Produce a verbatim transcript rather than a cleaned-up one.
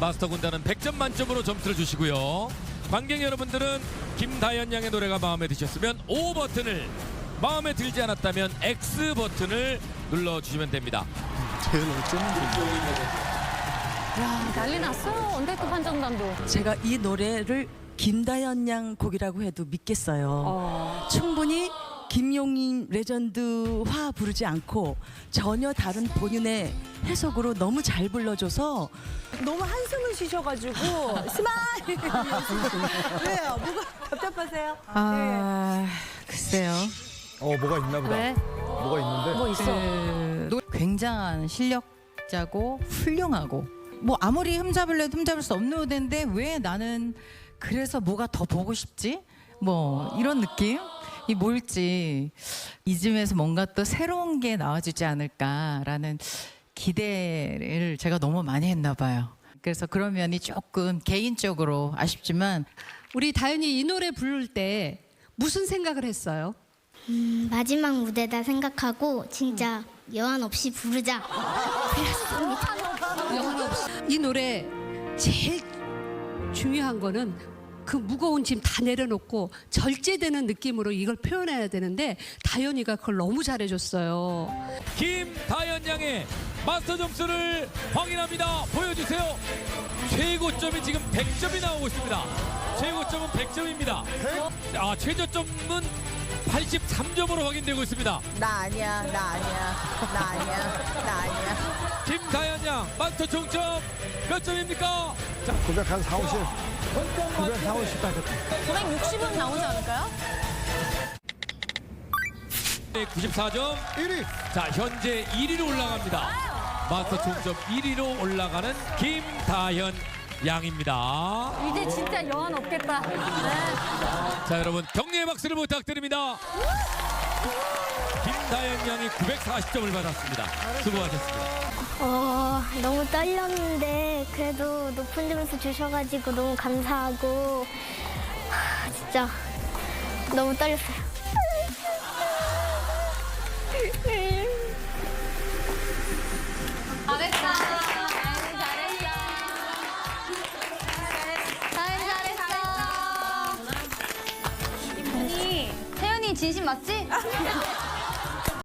마스터 군단은 백 점 만점으로 점수를 주시고요. 관객 여러분들은 김다현 양의 노래가 마음에 드셨으면 O 버튼을, 마음에 들지 않았다면 X 버튼을 눌러주시면 됩니다. 제일 어쩌는지. 야, 난리 났어요. 언더급 판정단도. 제가 이 노래를 김다현 양 곡이라고 해도 믿겠어요. 어. 충분히 김용임 레전드화 부르지 않고 전혀 다른 본인의 해석으로 너무 잘 불러줘서 너무 한숨을 쉬셔가지고 스마일. 왜요? 뭐가 답답하세요? 아, 글쎄요. 어, 뭐가 있나 보다. 왜? 뭐가 있는데. 뭐 있어? 그 노- 굉장한 실력자고 훌륭하고 뭐 아무리 흠잡을래도 흠잡을 수 없는 무대인데 왜 나는 그래서 뭐가 더 보고 싶지? 뭐 이런 느낌? 이 뭘지 이쯤에서 뭔가 또 새로운 게 나와주지 않을까라는 기대를 제가 너무 많이 했나 봐요. 그래서 그런 면이 조금 개인적으로 아쉽지만 우리 다현이 이 노래 부를 때 무슨 생각을 했어요? 음, 마지막 무대다 생각하고 진짜 여한 없이 부르자. 영혼 없이. 이 노래 제일 중요한 거는 그 무거운 짐 다 내려놓고 절제되는 느낌으로 이걸 표현해야 되는데 다현이가 그걸 너무 잘해줬어요. 김다현 양의 마스터 점수를 확인합니다. 보여주세요. 최고점이 지금 백 점이 나오고 있습니다. 최고점은 백 점입니다. 아, 최저점은 팔십삼 점으로 확인되고 있습니다. 나 아니야, 나 아니야, 나 아니야, 나 아니야. 김다현 양 마스터 총점 몇 점입니까? 자, 구백 한 사, 오십. 구백 사, 오십 다 됐다. 구백육십은 나오지 않을까요? 구십사 점. 일 위. 자, 현재 일 위로 올라갑니다. 마스터 총점 일 위로 올라가는 김다현 양입니다. 이제 진짜 여한 없겠다. 네. 자, 여러분 격려의 박수를 부탁드립니다. 김다현 양이 구백사십 점을 받았습니다. 수고하셨습니다. 어, 너무 떨렸는데 그래도 높은 점수 주셔가지고 너무 감사하고 하, 진짜 너무 떨렸어요. 잘했다. 잘했어. 다현 잘했어. 태연이 진심 맞지?